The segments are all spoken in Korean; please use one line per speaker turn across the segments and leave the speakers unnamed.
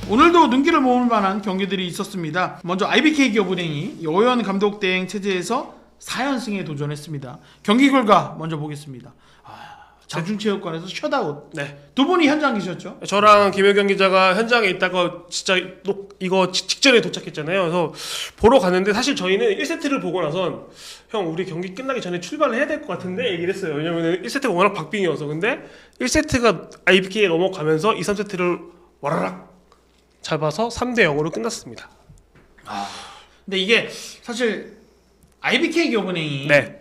오늘도 눈길을 모을 만한 경기들이 있었습니다. 먼저 IBK 기업은행이 여호연 감독 대행 체제에서 4연승에 도전했습니다. 경기 결과 먼저 보겠습니다. 장충체육관에서 셧아웃.
네.
두 분이 현장 계셨죠?
저랑 김효경 기자가 현장에 있다가 진짜 이거 직전에 도착했잖아요. 그래서 보러 갔는데 사실 저희는 1세트를 보고 나선 형 우리 경기 끝나기 전에 출발을 해야 될 것 같은데 얘기를 했어요. 왜냐면 1세트가 워낙 박빙이어서. 근데 1세트가 IBK에 넘어가면서 2, 3세트를 와라락 잡아서 3대 0으로 끝났습니다.
근데 이게 사실 IBK 기업은행이
네.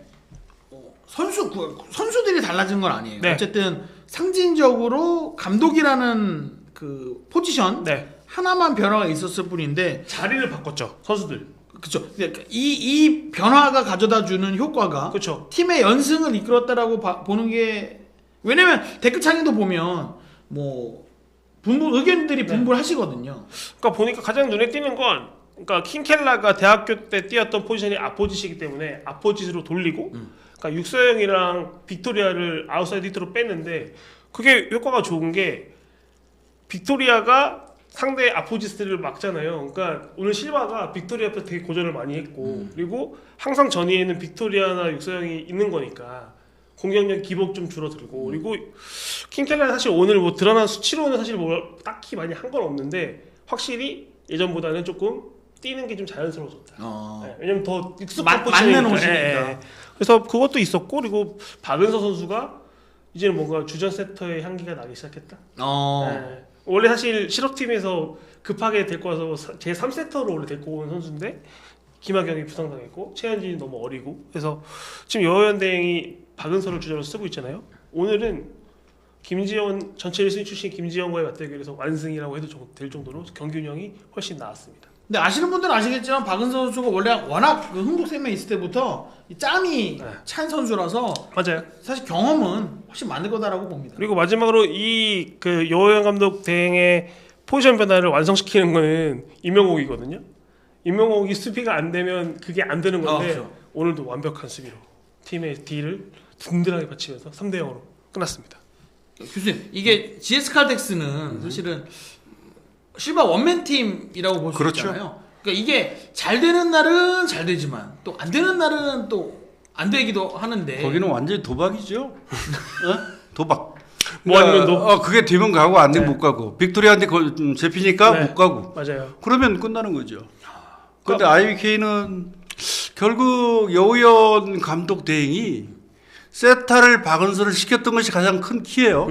선수들이 달라진 건 아니에요.
네.
어쨌든 상징적으로 감독이라는 그 포지션
네.
하나만 변화가 있었을 뿐인데
자리를 바꿨죠. 선수들.
그렇죠. 이 변화가 가져다 주는 효과가
그렇죠.
팀의 연승을 이끌었다라고 보는 게, 왜냐면 댓글창에도 보면 뭐 의견들이 분분하시거든요.
그러니까 보니까 가장 눈에 띄는 건, 그러니까 킹켈라가 대학교 때 뛰었던 포지션이 아포짓이기 때문에 아포짓으로 돌리고, 그러니까 육서영이랑 빅토리아를 아웃사이드 히트로 뺐는데, 그게 효과가 좋은 게 빅토리아가 상대 아포지스트를 막잖아요. 그러니까 오늘 실바가 빅토리아 앞에 되게 고전을 많이 했고, 그리고 항상 전위에는 빅토리아나 육서영이 있는 거니까 공격력 기복 좀 줄어들고, 그리고 킹켈라는 사실 오늘 뭐 드러난 수치로는 사실 뭐 딱히 많이 한 건 없는데 확실히 예전보다는 조금 뛰는 게 좀 자연스러워졌다. 네, 왜냐면 더 익숙한
맞는
포지션이니까.
옷이니까.
그래서 그것도 있었고, 그리고 박은서 선수가 이제는 뭔가 주전 세터의 향기가 나기 시작했다. 네. 원래 사실 실업팀에서 급하게 데리고 와서 제 3세터로 원래 데리고 온 선수인데 김하경이 부상당했고 최현진이 너무 어리고, 그래서 지금 여호연 대행이 박은서를 주전으로 쓰고 있잖아요. 오늘은 김지현 전체 1순위 출신 김지현과의 맞대결에서 완승이라고 해도 될 정도로 경기 운영이 훨씬 나았습니다.
근데 아시는 분들은 아시겠지만 박은서 선수가 원래 워낙 그 흥국생명 있을 때부터 이 짬이 찬 선수라서
맞아요.
사실 경험은 훨씬 많을 거다라고 봅니다.
그리고 마지막으로 이 그 여호연 감독 대행의 포지션 변화를 완성시키는 거는 임명옥이거든요. 임명옥이 수비가 안 되면 그게 안 되는 건데,
그렇죠.
오늘도 완벽한 수비로 팀의 D를 든든하게 받치면서 3대 0으로 끝났습니다.
교수님, 이게 GS 칼텍스는 사실은 실바 원맨 팀이라고 볼 수
그렇죠.
있잖아요. 그러니까 이게 잘 되는 날은 잘 되지만 또 안 되는 날은 또 안 되기도 하는데,
거기는 완전히 도박이죠. 도박.
뭐 아니면 너
그게 되면 가고 안 되면 못 가고, 빅토리아한테 잡히니까
네.
못 가고.
맞아요.
그러면 끝나는 거죠. 근데 IBK는 결국 여우연 감독 대행이 세타를 박은서를 시켰던 것이 가장 큰 키예요.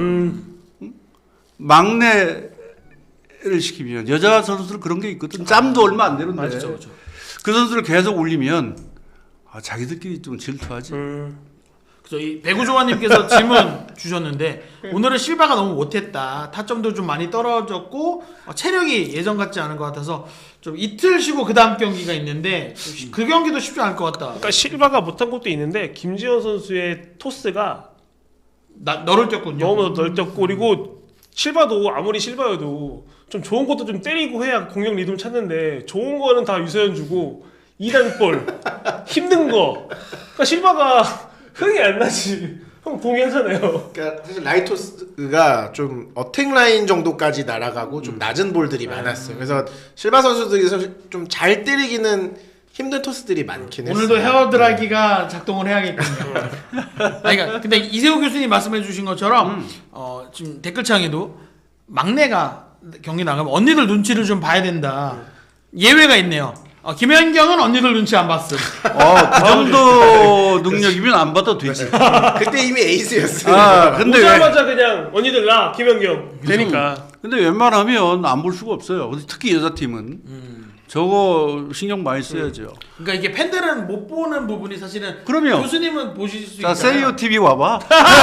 막내를 시키면 여자 선수들 그런 게 있거든. 짬도 얼마 안 되는데
맞죠.
그 선수를 계속 올리면 자기들끼리 좀 질투하지.
그래서 이 배구조아님께서 질문 주셨는데 오늘은 실바가 너무 못했다. 타점도 좀 많이 떨어졌고 체력이 예전 같지 않은 것 같아서 좀 이틀 쉬고 그 다음 경기가 있는데 그 경기도 쉽지 않을 것 같다.
그러니까 실바가 못한 것도 있는데 김지현 선수의 토스가
너를 뛰었군요.
너무 넓혔고, 그리고 실바도 아무리 실바여도 좀 좋은 것도 좀 때리고 해야 공격 리듬 찾는데, 좋은 거는 다 유서연 주고 2단볼 힘든 거, 그러니까 실바가 흥이 안 나지. 형 동의하잖아요.
그러니까 사실 라이토스가 좀 어택 라인 정도까지 날아가고 좀 낮은 볼들이 많았어요. 그래서 실바 선수들이 좀 잘 때리기는 힘든 토스들이 많긴 했어요.
오늘도 헤어드라이기가 작동을 해야겠군요. 그러니까 근데 이세호 교수님 말씀해주신 것처럼 지금 댓글창에도 막내가 경기 나가면 언니들 눈치를 좀 봐야 된다. 예외가 있네요. 김연경은 언니들 눈치 안 봤음.
그 정도 능력이면 안 받아도 되지.
그때 이미 에이스였어요.
근데
오자마자 그냥 언니들 나 김연경 되니까.
근데 웬만하면 안 볼 수가 없어요. 특히 여자 팀은 저거 신경 많이 써야죠.
그러니까 이게 팬들은 못 보는 부분이 사실은
그럼요.
교수님은 보실 수
자,
있잖아요.
세이오 TV 와봐.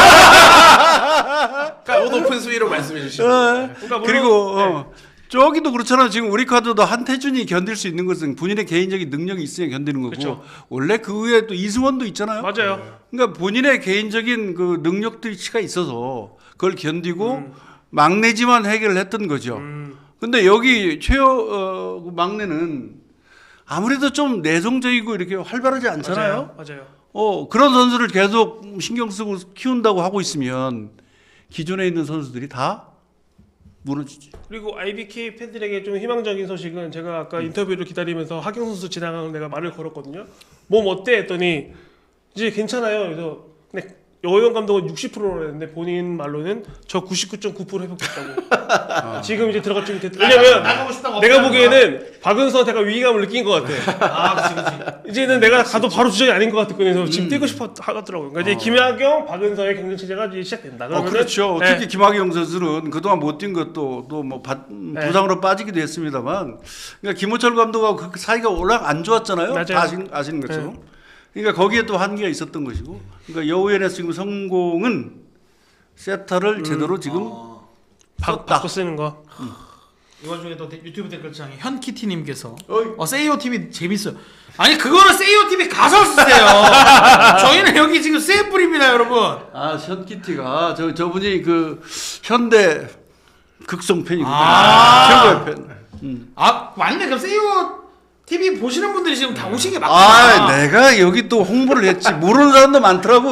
그러니까 높은 수위로 말씀해 주시죠.
그러니까
그리고 저기도 그렇잖아요. 지금 우리 카드도 한태준이 견딜 수 있는 것은 본인의 개인적인 능력이 있어야 견디는 거고,
그쵸.
원래 그 외에 또 이승원도 있잖아요.
맞아요.
그러니까 본인의 개인적인 그 능력치가 있어서 그걸 견디고 막내지만 해결을 했던 거죠. 근데 여기 최호 막내는 아무래도 좀 내성적이고 이렇게 활발하지 않잖아요.
맞아요.
그런 선수를 계속 신경 쓰고 키운다고 하고 있으면 기존에 있는 선수들이 다 무너지지.
그리고 IBK 팬들에게 좀 희망적인 소식은 제가 아까 인터뷰를 기다리면서 하경 선수 지나가는 내가 말을 걸었거든요. 몸 어때? 했더니 이제 괜찮아요. 그래서 근데 여호영 감독은 60%로 했는데 본인 말로는 저 99.9% 회복됐다고. 지금 이제 들어갈 준비 됐다. 왜냐면
나가고 싶다고
내가
없다는
보기에는 박은서한테 약간 위기감을 느낀 것 같아.
아, 그치.
이제는 내가 가도 바로 주전이 아닌 것 같거든요. 그래서 지금 뛰고 싶어 하더라고요. 그러니까 이제 김하경, 박은서의 경쟁 체제가 이제 시작된다. 그러면은
그렇죠.
네.
특히 김학영 선수는 그동안 못 뛴 것도 또 뭐 부상으로 빠지기도 했습니다만, 그러니까 김호철 감독하고 그 사이가 워낙 안 좋았잖아요.
맞아요.
다 아시는 것처럼. 그러니까 거기에 또 한계가 있었던 것이고, 그러니까 여우연의 지금 성공은 세타를 제대로 지금 썼다.
바꿔 쓰는 거.
이 와중에 또 유튜브 댓글창에 현키티님께서 세이오 TV 재밌어요. 아니 그거는 세이오 TV 가서 쓰세요. 저희는 여기 지금 샘플입니다, 여러분.
아, 션키티가 저분이 그 현대 극성 팬이거든요.
아.
최고의 팬.
아 맞네. 그럼 세이오 TV 보시는 분들이 지금 다 오신 게 맞구나.
아, 내가 여기 또 홍보를 했지. 모르는 사람도 많더라고.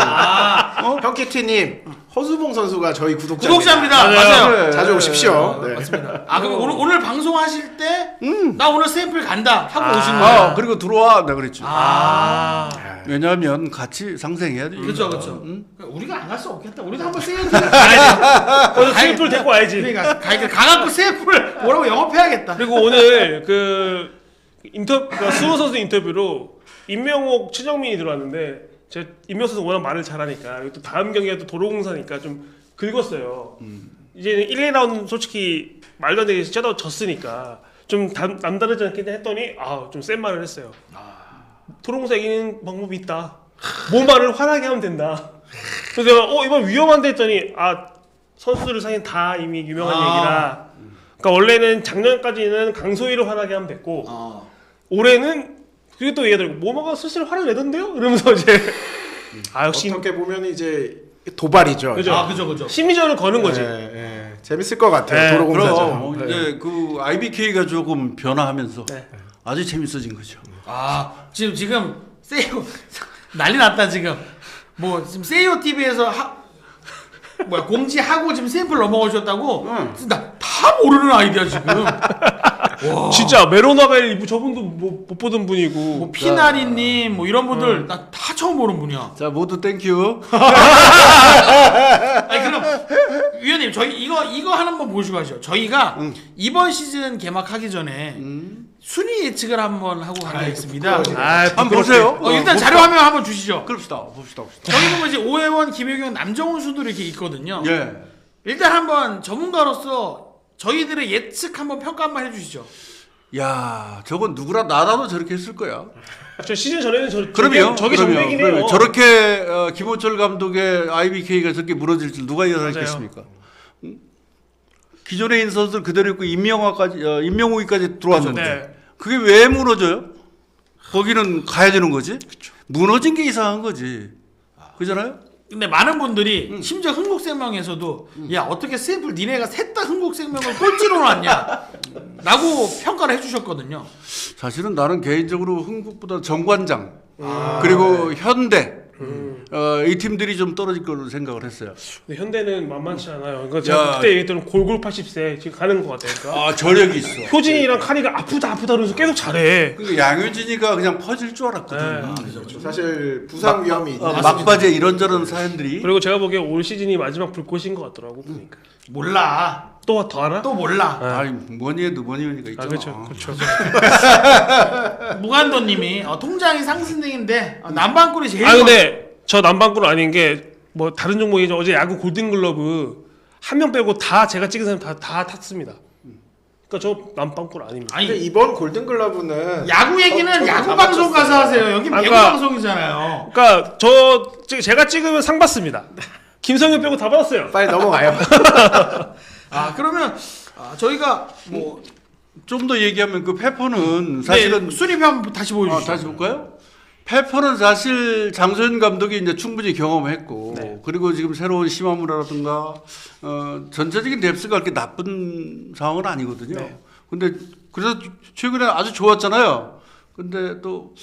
형키티님 허수봉 선수가 저희
구독자입니다.
맞아요.
맞아요.
그래.
자주 오십시오. 네.
맞습니다. 아 그럼 오늘 방송하실 때 나 오늘 샘플 간다 하고 오신 거예요.
아, 그리고 들어와. 내가 그랬죠.
아.
왜냐하면 같이 상생해야지.
그렇죠, 그렇죠. 우리가 안 갈 수 없겠다. 우리도 한번 세이오 TV 가야지.
거기서 샘플 데리고 와야지.
그러니까 가갖고 샘플 뭐라고 영업해야겠다.
그리고 오늘 그 그러니까 수호 선수 인터뷰로 임명옥, 최정민이 들어왔는데 제가 임명옥 선수 워낙 말을 잘하니까 그리고 또 다음 경기가 또 도로공사니까 좀 긁었어요. 이제 1, 2라운드 솔직히 말도 안 되게 쩌다 졌으니까 좀 남다르지 않겠냐 했더니 좀 센 말을 했어요. 도로공사 이기는 방법이 있다. 몸말을 화나게 하면 된다. 그래서 내가 이번 위험한데 했더니 선수들 사이엔 다 이미 유명한 얘기라. 그러니까 원래는 작년까지는 강소희를 화나게 하면 됐고 올해는 그게 또 얘기하더라고. 모모가 슬슬 화를 내던데요? 이러면서 이제 역시
어떻게 보면 이제 도발이죠.
그죠.
그죠.
심리전을 거는 거지.
재밌을 것 같아요.
네,
도로공사죠.
그럼 이제 그 IBK가 조금 변화하면서
네.
아주 재밌어진 거죠.
지금 세이오 난리 났다 지금. 뭐 지금 세이오 TV에서 공지하고 지금 샘플 넘어오셨다고. 나 다 모르는 아이디야 지금. 와.
진짜 메로나벨 저분도 못 보던 분이고.
뭐 피나리님 뭐 이런 분들 나 다 처음 보는 분이야.
자, 모두 땡큐.
아니 그럼 위원님 저희 이거 한번 보시고 하죠. 저희가 이번 시즌 개막하기 전에 순위 예측을 한번 하고 가겠습니다.
한번 보세요.
일단 자료 화면 한번 주시죠.
봅시다.
저기 보면 이제 오해원, 김효경, 남정훈 수도 이렇게 있거든요.
예.
일단 한번 전문가로서 저희들의 예측 한번 평가 한번 해주시죠.
야, 저건 누구라 나라도 저렇게 했을 거야.
저 시즌 전에는
그럼요.
저게 정맥이네요.
저렇게 김호철 감독의 IBK가 저렇게 무너질 줄 누가 예상했겠습니까? 기존에 있는 선수들 그대로 있고 임명욱이까지 들어왔는데
네.
그게 왜 무너져요? 거기는 가야 되는 거지. 무너진 게 이상한 거지. 그잖아요?
근데 많은 분들이 심지어 흥국생명에서도 야 어떻게 샘플 니네가 셋 다 흥국생명을 꼴찌로 놨냐 라고 평가를 해주셨거든요.
사실은 나는 개인적으로 흥국보다 정관장 그리고 현대 이 팀들이 좀 떨어질 걸로 생각을 했어요.
근데 현대는 만만치 않아요. 그러니까 제가 그때 얘기했던 골골 80세 지금 가는 것 같아요.
저력이 있어.
효진이랑 카리가 아프다 그러면서 계속 잘해.
그러니까 양효진이가 그냥 퍼질 줄 알았거든.
사실 부상 위험이 있는
막바지에 이런저런 사연들이.
그리고 제가 보기에 올 시즌이 마지막 불꽃인 것 같더라고 보니까.
몰라.
또 더 하나?
또 몰라.
아니 뭐니 해도 뭐니 하니까 있잖아.
그렇죠.
무간도님이 통장이 상승인데 남방꿀이 제일
근데 저 남방구는 아닌 게 뭐 다른 종목이죠. 어제 야구 골든글러브 한 명 빼고 다 제가 찍은 사람 다 탔습니다. 그러니까 저 남방구는 아닙니다.
근데 이번 골든글러브는
야구 얘기는 야구 방송 가서 하세요. 여기 배구 방송이잖아요.
그러니까 제가 찍으면 상 받습니다. 김성현 빼고 다 받았어요.
빨리 넘어가요.
그러면 저희가 뭐
좀 더 얘기하면 그 페퍼는 사실은
수립 한번 다시 보여주시죠.
다시 볼까요? 페퍼는 사실 장소연 감독이 이제 충분히 경험했고 그리고 지금 새로운 시마무라라든가 전체적인 뎁스가 그렇게 나쁜 상황은 아니거든요. 근데 그래서 최근에 아주 좋았잖아요. 근데 또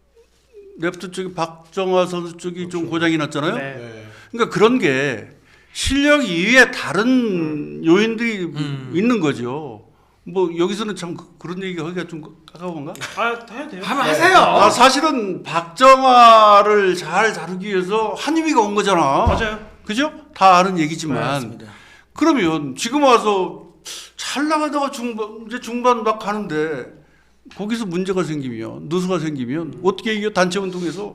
레프트 쪽에 박정화 선수 쪽이 좀 고장이 났잖아요. 그러니까 그런 게 실력 이외에 다른 요인들이 있는 거죠. 뭐 여기서는 참 그런 얘기 하기가 좀 까까운가?
해야 돼요.
한번 하세요.
아, 사실은 박정아를 잘 다루기 위해서 한유미가 온 거잖아.
맞아요.
그죠? 다 아는 얘기지만.
맞습니다.
그러면 지금 와서 잘 나가다가 이제 중반 막 가는데 거기서 문제가 생기면 누수가 생기면 어떻게 이겨 단체 운동에서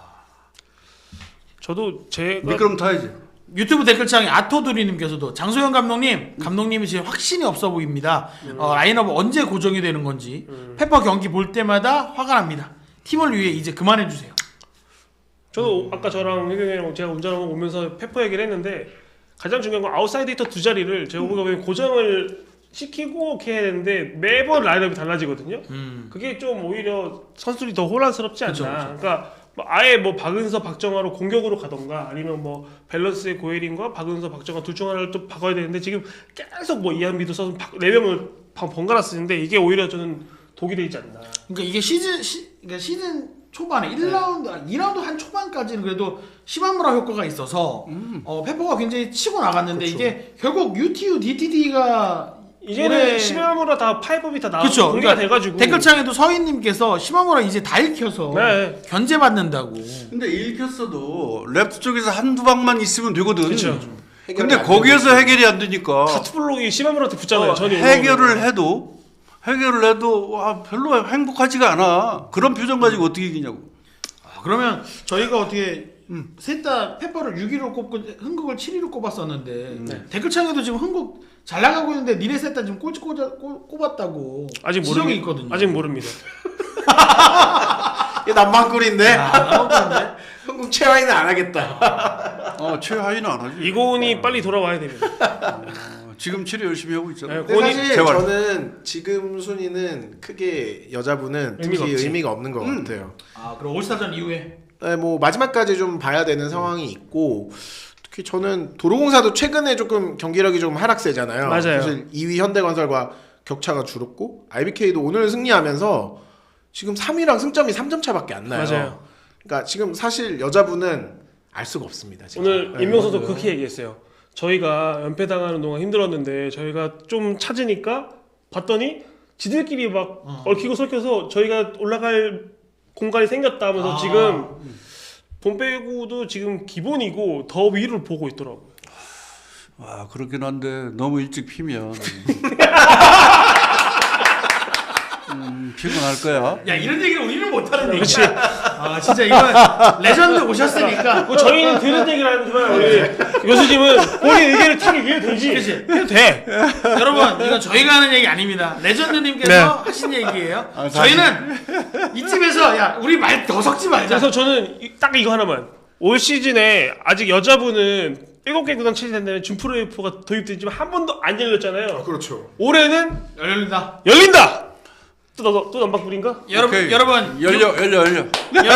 저도 제가
미끄럼 타야지.
유튜브 댓글창에 아토두리님께서도 장소영 감독님이 지금 확신이 없어 보입니다. 라인업 언제 고정이 되는 건지 페퍼 경기 볼 때마다 화가 납니다. 팀을 위해 이제 그만해 주세요.
저도 아까 저랑 혜경이랑 제가 운전하고 오면서 페퍼 얘기를 했는데 가장 중요한 건 아웃사이드 히터 두 자리를 제가 보기에 고정을 시키고 이렇게 해야 되는데 매번 라인업이 달라지거든요. 그게 좀 오히려 선수들이 더 혼란스럽지 않나.
그쵸.
그러니까 뭐 아예 뭐 박은서, 박정아로 공격으로 가던가 아니면 뭐 밸런스의 고혜린과 박은서, 박정아 둘 중 하나를 또 바꿔야 되는데 지금 계속 뭐 이한비도 써서 4명을 번갈아 쓰는데 이게 오히려 저는 독이 되지 않나.
그러니까 이게 시즌 초반에 1라운드, 2라운드 한 초반까지는 그래도 시마무라 효과가 있어서 페퍼가 굉장히 치고 나갔는데
그쵸.
이게 결국 UTU, DTD가
이제는 시마무라 다 파이법이 다 나와서
그쵸.
공개가
그러니까
돼가지고
댓글창에도 서인님께서 시마무라 이제 다 읽혀서
네.
견제받는다고.
근데 읽혔어도 랩트 쪽에서 한두 방만 있으면 되거든.
그쵸.
근데 거기에서 해결이 안 되니까
카트블록이 시마무라한테 붙잖아요. 전이
해결을 해도 와, 별로 행복하지가 않아. 그런 표정 가지고 어떻게 이기냐고.
그러면 저희가 어떻게 셋 다 페퍼를 6위로 꼽고 흥국을 7위로 꼽았었는데 댓글창에도 지금 흥국 잘 나가고 있는데 니네 셋 다 지금 꼴찌 꼽았다고
아직
지적이
모릅니다.
있거든요.
아직 모릅니다.
이게 남방꿀인데
나오는데
한국 최하위는 안 하겠다.
최하위는 안 하지.
이고은이 빨리 돌아와야 됩니다.
지금 치료 열심히 하고 있잖아.
네,
근데
고은이
사실
제발.
저는 지금 순위는 크게 여자분은
의미가
특히
없지.
의미가 없는 것 같아요.
그럼 올스타전 이후에
네, 뭐 마지막까지 좀 봐야 되는 상황이 있고 특히 저는 도로공사도 최근에 조금 경기력이 좀 하락세잖아요.
맞아요.
사실 2위 현대건설과 격차가 줄었고 IBK도 오늘 승리하면서 지금 3위랑 승점이 3점 차밖에 안 나요.
맞아요.
그러니까 지금 사실 여자분은 알 수가 없습니다. 지금.
오늘
네,
임명서도
맞아요.
그렇게 얘기했어요. 저희가 연패당하는 동안 힘들었는데 저희가 좀 찾으니까 봤더니 지들끼리 막 얽히고 설켜서 저희가 올라갈 공간이 생겼다 하면서 지금 본배구도 지금 기본이고 더 위를 보고 있더라고요.
와, 그렇긴 한데 너무 일찍 피면 피곤할 거야.
야 이런 얘기를 우리는 못하는 얘기야.
그렇지.
진짜 이건 레전드 오셨으니까
뭐 저희는 들은 얘기를 하지만 우리 교수님은 본인 의견을 타기 위해 되지.
그치.
해도 돼.
여러분 이건 저희가 하는 얘기 아닙니다. 레전드님께서
네.
하신 얘기예요.
사실-
저희는 이쯤에서 야 우리 말 더 섞지 말자.
그래서 저는 딱 이거 하나만. 올 시즌에 아직 여자분은 7개 구단 체제된다면 준프로에프가 도입되지만 한 번도 안 열렸잖아요.
그렇죠.
올해는
열린다.
열린다. 또 남방불인가?
오케이.
여러분
열려.
여러분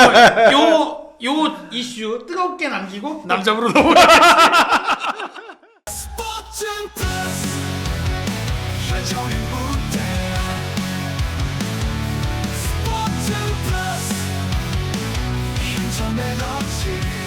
요 이슈 뜨겁게 남기고 남자부로 넘어가.
스포츠 플러스 한정의 무대 스포츠 플러스 인터넷 없이